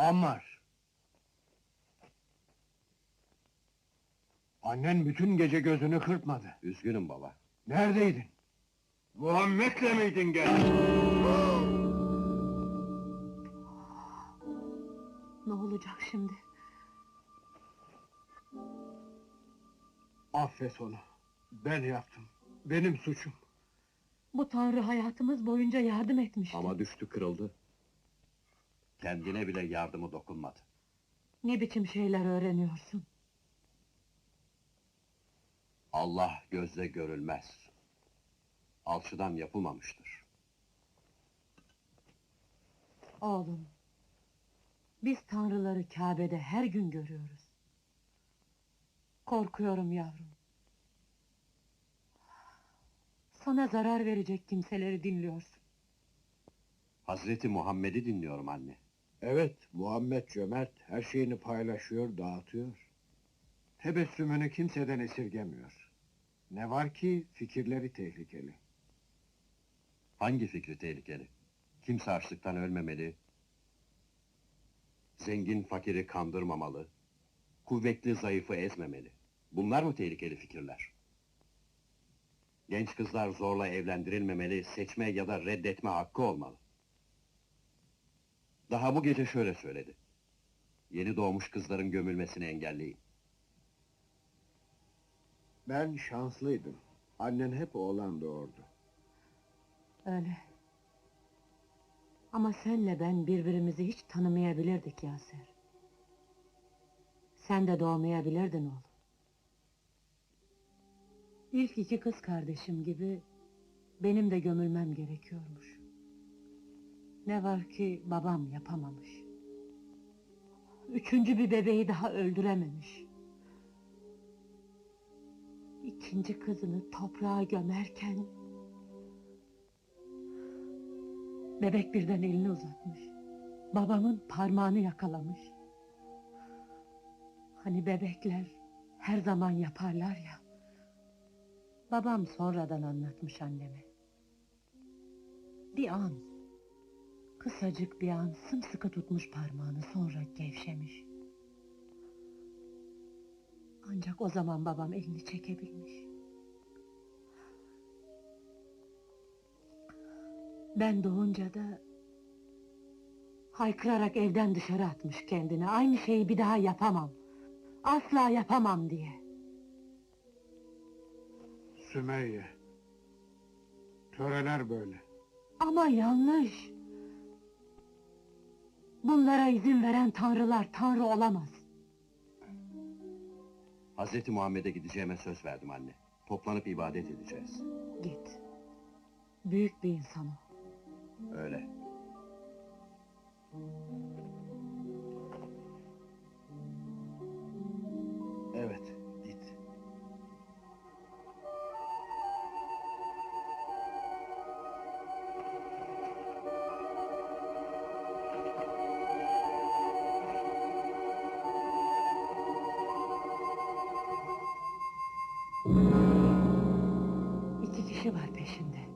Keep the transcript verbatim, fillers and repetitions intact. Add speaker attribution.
Speaker 1: Ammar! Annen bütün gece gözünü kırpmadı.
Speaker 2: Üzgünüm baba.
Speaker 1: Neredeydin? Muhammed'le miydin gel?
Speaker 3: Ne olacak şimdi?
Speaker 1: Affet onu. Ben yaptım. Benim suçum.
Speaker 3: Bu Tanrı hayatımız boyunca yardım etmişti.
Speaker 2: Ama düştü, kırıldı. Kendine bile yardımı dokunmadı.
Speaker 3: Ne biçim şeyler öğreniyorsun?
Speaker 2: Allah gözle görülmez. Alçıdan yapılmamıştır.
Speaker 3: Oğlum, biz tanrıları Kabe'de her gün görüyoruz. Korkuyorum yavrum. Sana zarar verecek kimseleri dinliyorsun.
Speaker 2: Hazreti Muhammed'i dinliyorum anne.
Speaker 1: Evet, Muhammed cömert, her şeyini paylaşıyor, dağıtıyor. Tebessümünü kimseden esirgemiyor. Ne var ki fikirleri tehlikeli.
Speaker 2: Hangi fikri tehlikeli? Kimse açlıktan ölmemeli. Zengin fakiri kandırmamalı. Kuvvetli zayıfı ezmemeli. Bunlar mı tehlikeli fikirler? Genç kızlar zorla evlendirilmemeli, seçme ya da reddetme hakkı olmalı. Daha bu gece şöyle söyledi. Yeni doğmuş kızların gömülmesini engelleyin.
Speaker 1: Ben şanslıydım. Annen hep oğlan doğurdu.
Speaker 3: Öyle. Ama senle ben birbirimizi hiç tanımayabilirdik Yaser. Sen de doğmayabilirdin oğlum. İlk iki kız kardeşim gibi benim de gömülmem gerekiyormuş. Ne var ki babam yapamamış. Üçüncü bir bebeği daha öldürememiş. İkinci kızını toprağa gömerken bebek birden elini uzatmış. Babamın parmağını yakalamış. Hani bebekler her zaman yaparlar ya. Babam sonradan anlatmış anneme. Bir an, kısacık bir an sımsıkı tutmuş parmağını, sonra gevşemiş. Ancak o zaman babam elini çekebilmiş. Ben doğunca da haykırarak evden dışarı atmış kendini. Aynı şeyi bir daha yapamam. Asla yapamam diye.
Speaker 1: Sümeyye. Töreler böyle.
Speaker 3: Ama yanlış. Bunlara izin veren tanrılar tanrı olamaz.
Speaker 2: Hazreti Muhammed'e gideceğime söz verdim anne. Toplanıp ibadet edeceğiz.
Speaker 3: Git. Büyük bir insan o.
Speaker 2: Öyle.
Speaker 1: Evet, git.
Speaker 3: İki kişi var peşinde.